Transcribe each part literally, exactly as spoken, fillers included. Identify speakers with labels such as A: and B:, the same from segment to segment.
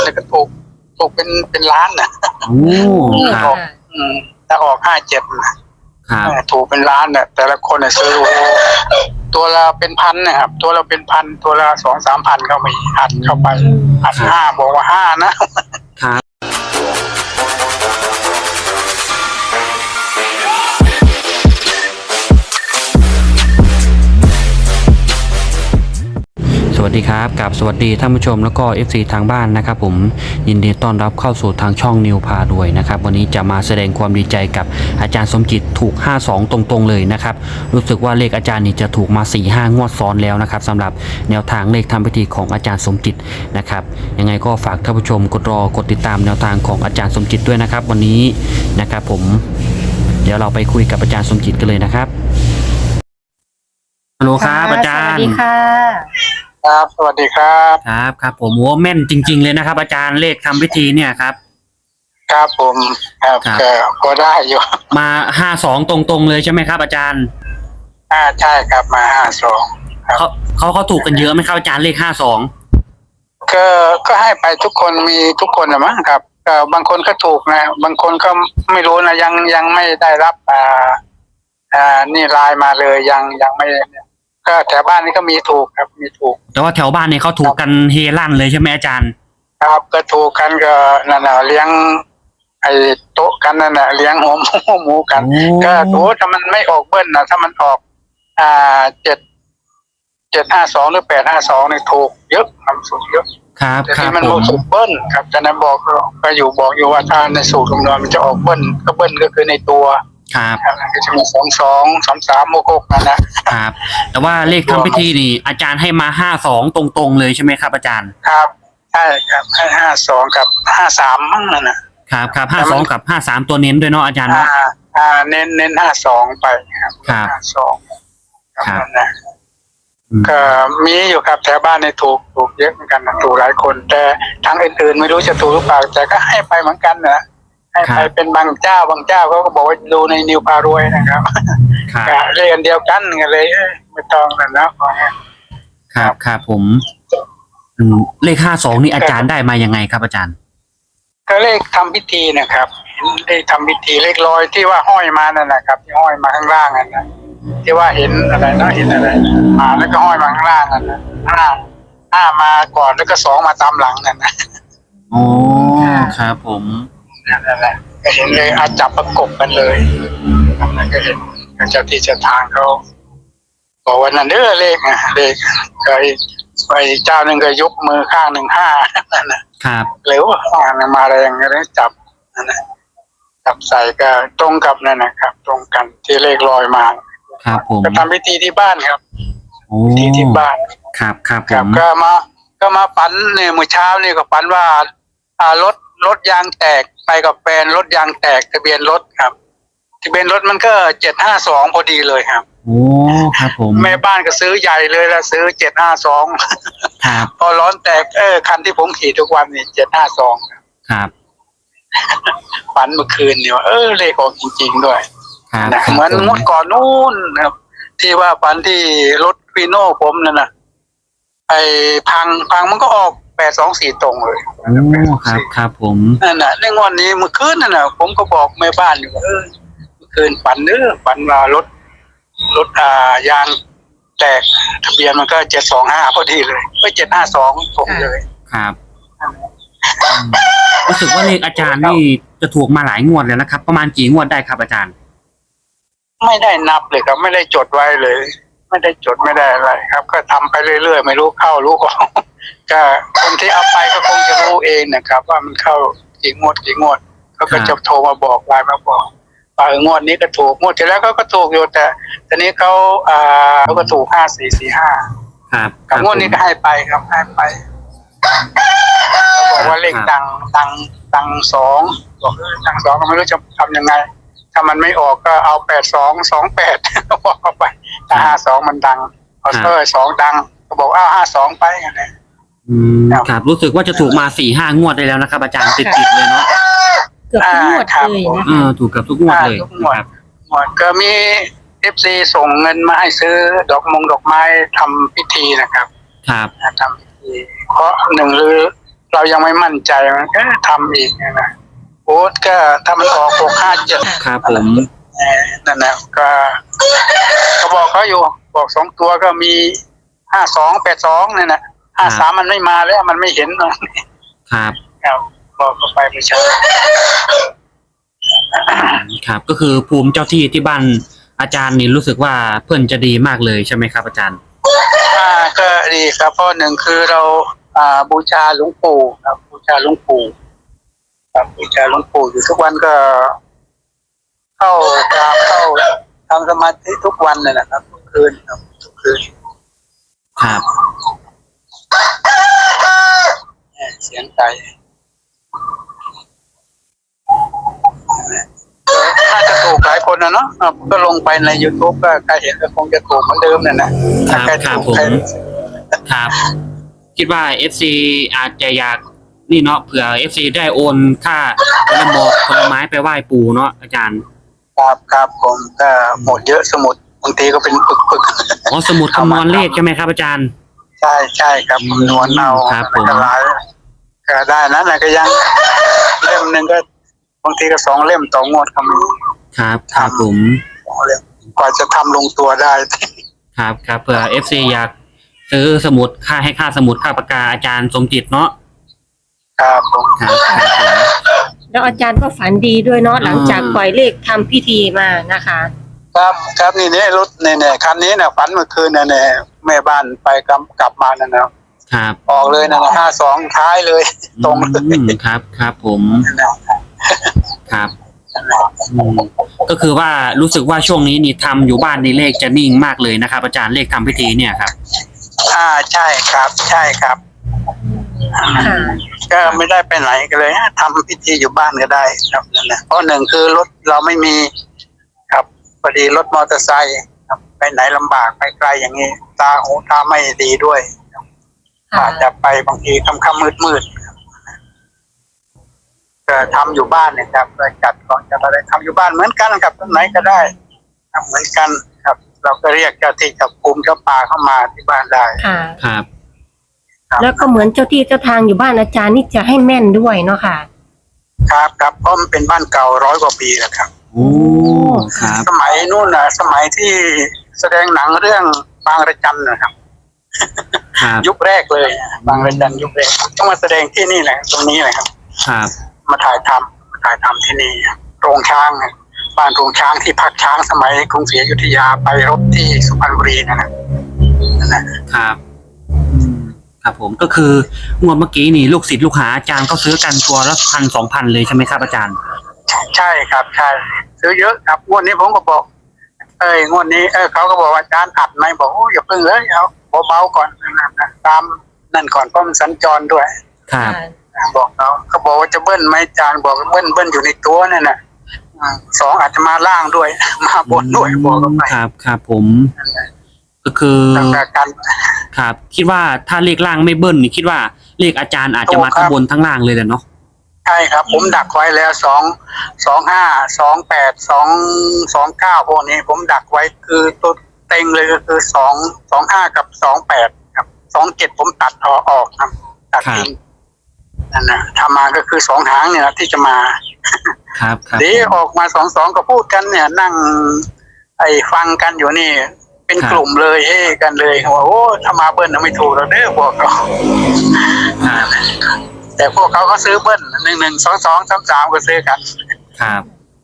A: แต่ก็ถูกถูกเป็นเป็นล้านนะ
B: โอ้ครับ
A: อืมถ้าออกห้าเจ็ดนะครับถูกเป็นล้านเนี่ยแต่ละคนเนี่ยซื้อตัวละเป็นพันนะครับตัวเราเป็นพันตัวละสองสามพันก็มีอัดเข้าไปอัดห้าบอกว่าห้านะครับ
B: สวัสดีครับกับสวัสดีท่านผู้ชมแล้วก็ เอฟ ซี ทางบ้านนะครับผมยินดีต้อนรับเข้าสู่ทางช่องนิวพาด้วยนะครับวันนี้จะมาแสดงความดีใจกับอาจารย์สมจิตถูกห้าสองตรงๆเลยนะครับรู้สึกว่าเลขอาจารย์นี่จะถูกมา สี่ห้างวดซ้อนแล้วนะครับสำหรับแนวทางเลขทำพิธีของอาจารย์สมจิตนะครับยังไงก็ฝากท่านผู้ชมกดรอกดติดตามแนวทางของอาจารย์สมจิตด้วยนะครับวันนี้นะครับผมเดี๋ยวเราไปคุยกับอาจารย์สมจิตกันเลยนะครับฮัลโหลครับอาจารย์
C: สวัสดีค่ะ
A: ครับสวัสดีครับ
B: ครับครับผมโอ้แม่นจริงๆเลยนะครับอาจารย์เลขทำพิธีเนี่ยครับ
A: ครับผมครับก็พอได้อยู่
B: มาห้าสองตรงๆเลยใช่ไหมครับอาจารย์
A: อ่าใช่ครับมาห้าสอง
B: เขาเขาเขาถูกกันเยอะไหมครับอาจารย์เลขห้าสอง
A: ก็ก็ให้ไปทุกคนมีทุกคนนะมั้งครับก็บางคนก็ถูกนะบางคนก็ไม่รู้นะยังยังไม่ได้รับอ่าอ่านี่ไลน์มาเลยยังยังไม่ก็แถวบ้านนี้ก็มีถูกครับมีถูก
B: แต่ว่าแถวบ้านเนี่ยเขาถูกกันเฮลั่นเลยใช่ไหมอาจารย์
A: ครับก็ถูกกันก็นั่นน่ะเลี้ยงไอ้โต๊ะกันนั่นน่ะเลี้ยงหัวหมูหมูกันก็โอ้ถ้ามันไม่ออกเบิ้ลนะถ้ามันออกอ่าเจ็ดเจ็ดห้าสองหรือแปดห้าสองนี่ถูกเยอะทำสูตรเยอะ
B: ครับ
A: แต่
B: ที่
A: มันโมสูตรเบิ้ลครับจะนั้นบอกก็อยู่บอกอยู่ว่าถ้าในสูตรคำนวณมันจะออกเบิ้ลก็เบิ้ลก็คือในตัว
B: ครับ
A: ก็จะมีสองสองสามสามโมกกนั่นนะครับ
B: แต่ว่าเลขทำพิธีนี่อาจารย์ให้มาห้าสองตรงๆเลยใช่ไหมครับอาจารย์
A: ครับใช่ครับให้ห้าสองกับห้าสามมั่งนั่นนะครับ
B: ครับห้าสองกับห้าสามตัวเน้นด้วยเนาะอาจารย์เนาะ
A: อ่าเน้นเน้นห้าสองไปครับ
B: ครับ
A: ห้าสอง
B: ครับ
A: นะก็มีอยู่ครับแถวบ้านในถูกถูกเยอะเหมือนกันถูกหลายคนแต่ทางอื่นๆไม่รู้จะถูกหรือเปล่าแต่ก็ให้ไปเหมือนกันนะให้ไปเป็นบางเจ้าบางเจ้าเขาก็บอกว่าดูในนิวพารวยนะครับเรียนเดียวกันกันเลยไม่ต้องกันนะครับ
B: ครับผมเลขห้าสองนี่อาจารย์ได้มายังไงครับอาจารย์
A: ก็เลขทำพิธีนะครับเลขทำพิธีเลขลอยที่ว่าห้อยมานั่นนะครับที่ห้อยมาข้างล่างนั่นนะที่ว่าเห็นอะไรนะเห็นอะไรมาแล้วก็ห้อยมาข้างล่างนั่นนะห้าห้ามาก่อนแล้วก็สองมาตามหลังนั่นนะ
B: โอ้ครับผม
A: นั่นแหละก็เห็นเลยอาจับประกบกันเลยนั่นก็เห็นเจ้าที่เจ้าทางเขาบอกว่านั่นเด้อเลขนะเลขเคยไปเจ้าหนึ่งก็ยกมือข้างหนึ่งห้านั่นนะครับหรือว่าห้ามาอะไรอย่างเงี้ยจับนั่นนะจับใส่ก็ตรงกับนั่นนะครับตรงกันที่เลขลอยมา
B: ครับผม
A: ก็ทำพิธีที่บ้านครับพิธีที่บ้าน
B: ครับครับ
A: ครับก็มาก็มาฝันเนี่ยเมื่อเช้านี่ก็ฝันว่าอ่ารถรถยางแตกไปกับแฟนรถยางแตกทะเบียนรถครับทะเบียนรถมันก็เจ็ดห้าสองพอดีเลยครับ
B: โอ้ครับผม
A: แม่บ้านก็ซื้อใหญ่เลยแล้วซื้อเจ็ดห้าสอง
B: ครับ
A: พอร้อนแตกเออคันที่ผมขี่ทุกวันนี่เจ็ดห้าสอง
B: ครับ
A: ฝันเมื่อคืนเนี่ยเออเลขออกจริงๆด้วย
B: ครับ
A: เหมือนมุดก่อนนู้นครับที่ว่าฝันที่รถฟีโน่ผมนั่นนะไอ้พังพังมันก็ออกแปดสองสี่ตรงเลย
B: โอ้ครับครับผม
A: นั่นน่ะในงวดนี้เมื่อคืนนั่นน่ะผมก็บอกแม่บ้านอยู่เออเมื่อคืนฝันเด้อฝันว่ารถรถอ่ายางแตกทะเบียนมันก็เจ็ดสองห้าพอดีเลยไม่เจ็ดห้าสองตรงเลย
B: ครับรู้สึกว่าเลขอาจารย์นี่จะถูกมาหลายงวดแล้วนะครับประมาณกี่งวดได้ครับอาจารย์
A: ไม่ได้นับเลยครับไม่ได้จดไว้เลยไม่ได้จดไม่ได้อะไรครับก็ทำไปเรื่อยๆไม่รู้เข้ารู้ออกก็คนที่เอาไปก็คงจะรู้เองนะครับว่ามันเข้ากี่งวดกี่งวดเขาก็จะโทรมาบอกไลน์มาบอกว่างวดนี้ก็ถูกงวดที่แล้วเขาก็ถูกอยู่แต่ตอนนี้เขาอ่าเขาก็ถูกห้าสี่สี่ห้า
B: ครับ
A: กับงวดนี้ก็ให้ไปครับให้ไปบอกว่าเลขดังดังดังสองบอกเออดังสองก็ไม่รู้จะทำยังไงถ้ามันไม่ออกก็เอาแปดสองสองแปดบอกเข้าไปถ้าห้าสองมันดังเอาเออสองดังก็บอกอ้าวห้าสองไปกันเลย
B: อืมครับรู้สึกว่าจะถูกมาสี่ห้างวดได้แล้วนะครับอาจารย์ติดๆเลยเนาะ
C: เกือบทุกงวดเลยนะ
B: อ่าถูกกับทุกงวดเลย
A: ครับงวดก็มีเอฟซีส่งเงินมาให้ซื้อดอกมงดอกไม้ทำพิธีนะครับ
B: ครับ
A: ทำพิธีเพราะหนึ่งหรือเรายังไม่มั่นใจมันก็ทำอีกนะโอ้ก็ถ้ามันออกหกห้าเจ็ด
B: ครับผม
A: นั่นแหละก็ก็บอกเขาอยู่บอกสองตัวก็มีห้าสองแปดสองเนี่ยนะห้าสามมันไม่มาแล้วมันไม่เห็นนะครับ ครับบอกเขาไปไม่ใช่
B: ครับก็คือภูมิเจ้าที่ที่บ้านอาจารย์นี่รู้สึกว่าเพื่อนจะดีมากเลยใช่ไหมครับอาจารย์
A: อ่าก็ดีครับเพราะหนึ่งคือเราอ่าบูชาหลวงปู่ครับบูชาหลวงปู่ครับบูชาหลวงปู่อยู่ทุกวันก็เข้ากราบเข้าทำสมาธิทุกวันเลยนะครับทุกคืนครับทุกคืน
B: ครับ
A: เสียงไก่น่าจะถูกหลายคนนะเนาะก็ลงไปใน YouTube ก็ใครเห็นก็คงจะถูกเหมือนเดิมเนี่ยนะครับ
B: ครับผมครับคิดว่า เอฟ ซี อาจจะอยากนี่เนาะเผื่อ เอฟ ซี ได้โอนค่าผลหมอกผลไม้ไปไหว้ปู่เนาะอาจารย์
A: ครับครับผมก็หมดเยอะสมุดบางทีก็เป็นปึกๆ
B: อ๋อสมุดคำนวณเลขใช่ไหมครับอาจารย์
A: ใช่ใช่ครับคำนวณเอา
B: ครับผม
A: ก็หลายก็ได้นั้นนะก็ยังเล่มหนึ่งก็บางทีก็สองเล่มต่องวดก็มี
B: ครับครับผม
A: สองเล่มกว่าจะทำลงตัวได้
B: ครับครับเผื่อ เอฟ ซี อยากซื้อสมุดค่าให้ค่าสมุดค่าปากกาอาจารย์สมจิตเนาะ
A: ครับผม
B: ครับครับผม
C: แล้วอาจารย์ก็ฝันดีด้วยเนาะหลังจากปล่อยเลขทำพิธีมานะคะ
A: ครับครับนี่เนี่ยรถเนี่ยเนี่ยคันนี้เนี่ยฝันเมื่อคืนเนี่ยเนี่ยแม่บ้านไปกลับกลับมานั่นนะครับ ออกเลยนะห้าสองท้ายเลย ตรงเลย
B: อืมครับครับผม
A: นั่นนะครับ
B: อืมก็คือว่ารู้สึกว่าช่วงนี้นี่ทำอยู่บ้านนี่เลขจะนิ่งมากเลยนะครับอาจารย์เลขทำพิธีเนี่ยครับ
A: อ่าใช่ครับ ใช่ครับ
C: ค่ะ
A: ก็ไม่ได้ไปไหนกันเลยทำพิธีอยู่บ้านก็ได้ครับนั่นแหละเพราะหนึ่งคือรถเราไม่มีครับพอดีรถมอเตอร์ไซค์ครับไปไหนลำบากไปไกลอย่างนี้ตาหูตาไม่ดีด้วยครับ
C: ค่ะ
A: อาจจะไปบางทีค่ำๆมืดๆครับก็ทำอยู่บ้านเนี่ยครับก็จัดก่อนจะอะไรทำอยู่บ้านเหมือนกันครับตรงไหนก็ได้ทำเหมือนกันครับ เราก็เรียกเจ้าที่เจ้าภูมิเจ้าป่าเข้ามาที่บ้านได้
C: ค่ะ
B: ครับ
A: ครับ
C: แล้วก็เหมือนเจ้าที่เจ้าทางอยู่บ้านอาจารย์นี่จะให้แม่นด้วยเนาะค่ะ
A: ครับครับเพราะมันเป็นบ้านเก่าร้อยกว่าปีแล้วครับ
B: โอ้ครับ
A: สมัยนู่นนะสมัยที่แสดงหนังเรื่องบางระจันนะครับ
B: ครับ
A: ยุคแรกเลยบางระจันยุคแรกต้องมาแสดงที่นี่แหละตรงนี้แหละครับ
B: ครับ
A: มาถ่ายทำมาถ่ายทำที่นี่โรงช้างนะบ้านโรงช้างที่พักช้างสมัยกรุงศรีอยุธยาไปรบที่สุพรรณบุรีนะนะนั่นแหละ
B: ครับอืมครับผมก็คืองวดเมื่อกี้นี่ลูกศิษย์ลูกหาอาจารย์ก็ซื้อกันตัวละพันสองพันเลยใช่ไหมครับอาจารย์
A: ใช่ครับใช่ซื้อเยอะครับงวดนี้ผมก็บอก เอ้ยงวดนี้เออเขาก็บอกว่าอาจารย์อัดไหมบอกโอ้อย่าเพิ่งเลยเอาเบาๆก่อนนะนะตามนั่นก่อนเพราะมันสัญจรด้วย
B: ครับ
A: บอกเขาเขาบอกว่าจะเบิ้ลไหมอาจารย์บอกเบิ้ลเบิ้ลอยู่ในตัวนั่นน่ะอ่าสองอาจจะมาล่างด้วย มาบนด้วยบอกเขาไป
B: ครับครับผม
A: นั่นแหละ
B: ก็คือ
A: ตั้งแต่กัน
B: ครับ คิดว่าถ้าเลขล่างไม่เบิ้ลนี่คิดว่าเลขอาจารย์อาจจะมา
A: ถูกครั
B: ทั้ง
A: บ
B: บนทั้งล่างเลยแหละเนาะ
A: ใช่ครับ ผมดักไว้แล้วสองสองห้าสองแปดสองสองเก้าพวกนี้ ผมดักไว้คือตัวเต็งเลยก็คือสองสองห้ากับสองแปดครับสองเจ็ดผมตัดออกออกครับตัดทิ้งนั่นนะถ้ามาก็คือสองหางเนี่ยที่จะมา
B: ครับครับ
A: เดี๋ยวออกมาสองสองก็พูดกันเนี่ย นั่ง ไอ้ฟังกันอยู่นี่ เป็นกลุ่มเลยเฮ้กันเลยว่าโอ้ถ้ามาเบิ้ลน่ะไม่ถูกเราเด้อบอกเขา
B: ครับ
A: แต่พวกเขาก็ซื้อเบิ้ลหนึ่งหนึ่งสองสองสามสามก็ซื้อกัน
B: ครับ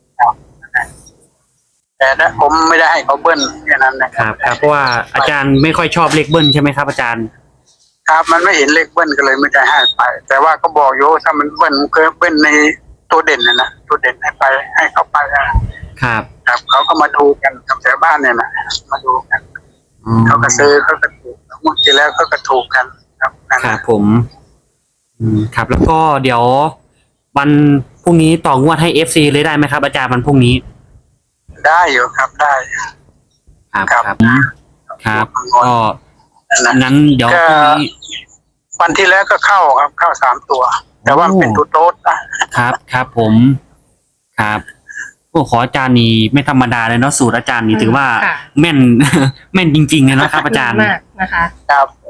A: แต่นะผมไม่ได้ให้เขาเบิ้ลแค่นั้นนะ
B: ครับครับเพราะว่าอาจารย์ไม่ค่อยชอบเลขเบิ้ลใช่ไหมครับอาจารย์
A: ครับมันไม่เห็นเลขเบิ้ลก็เลยไม่ได้ให้ไป แต่ว่าก็บอกโยถ้ามันเบิ้ลมันก็เบิ้ลในตัวเด่นนะนะตัวเด่นให้ไปให้เขาไปนะครับ ครับเขาก็มาดูกันกับแถวบ้านเนี่ยนะมาดูกัน
B: อืม
A: เขาก็ซื้อเขาก็ถูกงวดที่แล้วเขาก็ถูกกันครับนั่น
B: ครั
A: นะ
B: บผม อืมครับ แล้วก็เดี๋ยววันพรุ่งนี้ต่องวดให้เอฟซีเลยได้ไหมครับ อาจารย์วันพรุ่งนี้
A: ได้อยู่ครับได้
B: ครับ
A: ครับ
B: ครับครับก็
A: นั่นนะ
B: งั้นเดี๋ยว
A: ก็
B: พรุ่งนี้
A: วันที่แล้วก็เข้าครับเข้าสามตัว แต่ว่ามันเป็นตัวโต๊ดนะครับ
B: ครับผม ครับพวกขออาจารย์นี่ไม่ธรรมดาเลยเนาะสูตรอาจารย์นี่ถือว่า
C: ค่ะ
B: แม่น แม่นจริงๆเลยเนาะครับ อาจารย์
C: มากนะคะ
A: ครับ
B: อ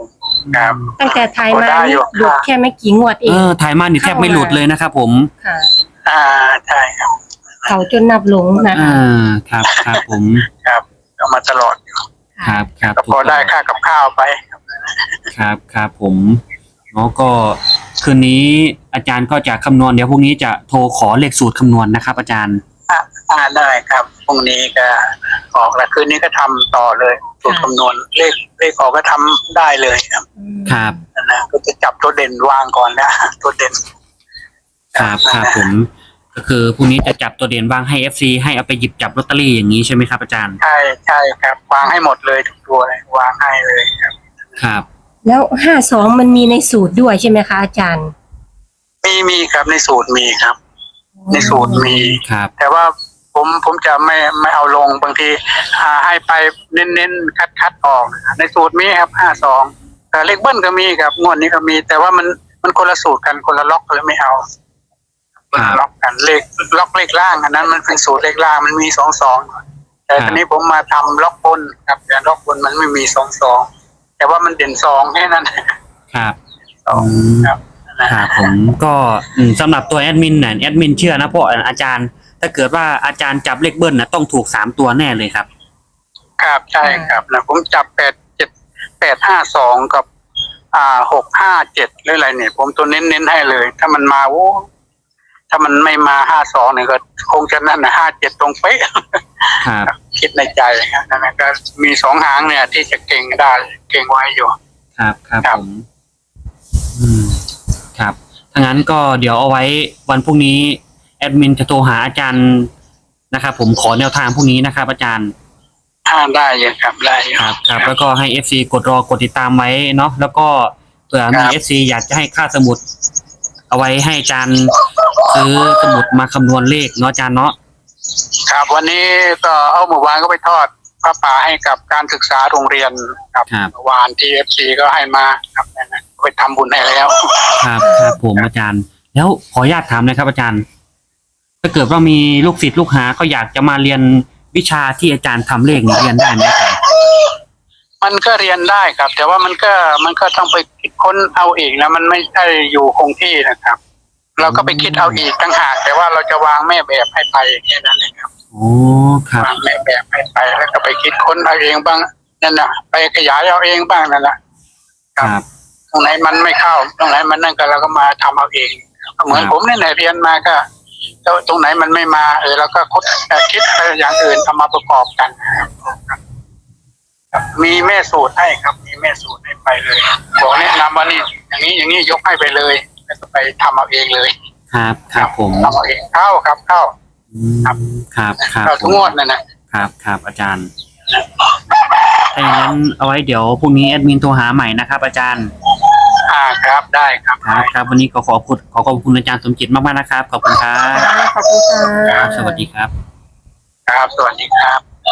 A: ครับ
C: ตั้งแต่ถ่ายมา
A: พอได้อยู่
C: นี่หลุดแค่ไม่กี่งวดเอ
B: เอง อถ่ายมานี่แทบไม่หลุดเลยนะครับผม
C: ค่ะ
A: อ่าใช่ครับ
C: เขาจนนับหลงนะ
B: อ่
C: คะ
B: าครับครับผม
A: ครับเอามาตลอดอยู่
B: ครับครับ
A: ก็พอได้ค่ากับข้าวไปครับ
B: ครับครับผมเนาะก็คืนนี้อาจารย์ก็จะคำนวณเดี๋ยวพรุ่งนี้จะโทรขอเลขสูตรคำนวณนะครับ อาจารย์
A: อ่าอ่าได้ครับพรุ่งนี้ก็ออกแล้วคืนนี้ก็ทำต่อเลยสูตรคำนวณเลขเลขออกก็ทำได้เลยครับ
B: ครับ
A: นะก็จะจับตัวเด่นวางก่อนนะตัวเด่น
B: ครับครับผมก็คือพรุ่งนี้จะจับตัวเด่นวางให้ เอฟ ซี ให้เอาไปหยิบจับลอตเตอรี่อย่างนี้ใช่ไหมครับอาจารย์
A: ใช่ใช่ครับ วางให้หมดเลยทุกตัวเลยวางให้เลยครับ
B: ครับ
C: แล้วห้าสองมันมีในสูตรด้วยใช่ไหมคะอาจารย์
A: มีมีครับในสูตรมีครับ ในสูตรมี
B: ครับ
A: แต่ว่าผมผมจะไม่ไม่เอาลงบางทีอ่าให้ไปเน้นๆคัดคัดออก ในสูตรมีครับห้าสองแต่เลขเบิ้ลก็มีครับงวดนี้ก็มี แต่ว่ามันมันคนละสูตรกันคนละล็อกเลยไม่เอาคนละล็อกกันเลขล็อกเลขล่างอันนั้นมันเป็นสูตรเลขล่างมันมีสองสองแต่ทีนี้ผมมาทำล็อกบนครับแต่ล็อกบนมันไม่มีสองสองแต่ว่ามันเด่นสองแค่นั้น
B: ครับ
A: สองครับ
B: ครับผมก็อืมสำหรับตัวแอดมินเนี่ยแอดมินเชื่อนะเพราะอาจารย์ ถ้าเกิดว่าอาจารย์จับเลขเบิ้ลนะต้องถูกสามตัวแน่เลยครับ
A: ครับใช่ครับนะผมจับแปดเจ็ดแปดห้าสองกับ อ่าหกห้าเจ็ดหรืออะไรเนี่ย ผมตัวเน้นเน้นให้เลย ถ้ามันมาโอ้ถ้ามันไม่มาห้าสองเนี่ยก็คงจะนั่นนะห้าเจ็ดตรงเป๊ะ
B: ครับ
A: คิดในใจครับนั่นนะก็มีสองหางเนี่ย ที่จะเก่งได้เก่งไว้อยู่
B: ครับครับ
A: ครับ
B: ผมอืมครับถ้างั้นก็เดี๋ยวเอาไว้วันพรุ่งนี้แอดมินจะโทรหาอาจารย์นะครับผมขอแนวทางพรุ่งนี้นะครับ อาจารย์
A: อ่าได้อยู่ครับได้อยู่
B: ครับครับแล้วก็ให้ เอฟ ซี กดรอกดติดตามไว้เนาะแล้วก็เผื่อมี
A: ครับ
B: เอฟ ซี อยากจะให้ค่าสมุด เอาไว้ให้อาจารย์ซื้อสมุดมาคำนวณเลขเนาะอาจารย์เนาะ
A: ครับวันนี้ก็เอาเมื่อวานก็ไปทอดพระป่าให้กับการศึกษาโรงเรียนครับ
B: ครับ
A: เมื่อวานที่เอฟซีก็ให้มาครับนั่นนะไปทำบุญให้แล้ว
B: ครับครับผมอาจารย์ แล้วขออนุญาตถามนะครับ อาจารย์ ถ้าเกิดว่ามีลูกศิษย์ลูกหาเขาอยากจะมาเรียนวิชาที่อาจารย์ทำเลขนี่เรียนได้ไหมอาจารย์
A: มันก็เรียนได้ครับ แต่ว่ามันก็มันก็ต้องไปคิดค้นเอาเองนะมันไม่ใช่อยู่คงที่นะครับ เราก็ไปคิดเอาอีกต่างหากแต่ว่าเราจะวางแม่แบบให้ไปแค่นั้นเองครับ
B: โอ้ครับ
A: วางแม่แบบให้ไปแล้วก็ไปคิดค้นเอาเองบ้างนั่นนะไปขยายเอาเองบ้างนั่นแหละ
B: ครับ
A: ตรงไหนมันไม่เข้าตรงไหนมันนั่นก็เราก็มาทำเอาเองเหมือน
B: ครับ
A: ผมเนี่ยเรียนมาก็ตรงไหนมันไม่มาเออเราก็คิดคิดอย่างอื่นเอามาประกอบกันครับมีแม่สูตรให้ครับ มีแม่สูตรให้ไปเลยบอกแนะนำว่านี่อย่างนี้อย่างนี้ยกให้ไปเลยแล้วก็ไปทำเอาเองเลย
B: ครับครับผม
A: ทำเอาเองเข้าครับเข้า
B: อืมครับครับ
A: เข้าทุกงวดนั่นนะครับ
B: ครับอาจารย์ถ้าอย่างนั้นเอาไว้เดี๋ยวพรุ่งนี้แอดมินโทรหาใหม่นะครับ อาจารย์
A: อ่าครับได้ครับ
B: ครับครับวันนี้ก็ขอขอบคุณขอขอบคุณอาจารย์สมจิตมากๆนะครับขอบคุณครับ
C: ขอบคุณค่ะ
B: ครับสวัสดีครับ
A: ครับ สวัสดีครับ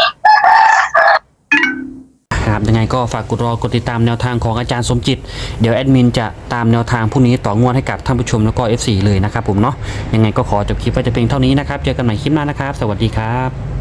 B: ครับยังไงก็ฝากกดรอกดติดตามแนวทางของอาจารย์สมจิตเดี๋ยวแอดมินจะตามแนวทางพรุ่งนี้ต่องวดให้กับท่านผู้ชมแล้วก็ เอฟ ซี เลยนะครับผมเนาะยังไงก็ขอจบคลิปไว้แต่เพียงเท่านี้นะครับเจอกันใหม่คลิปหน้านะครับสวัสดีครับ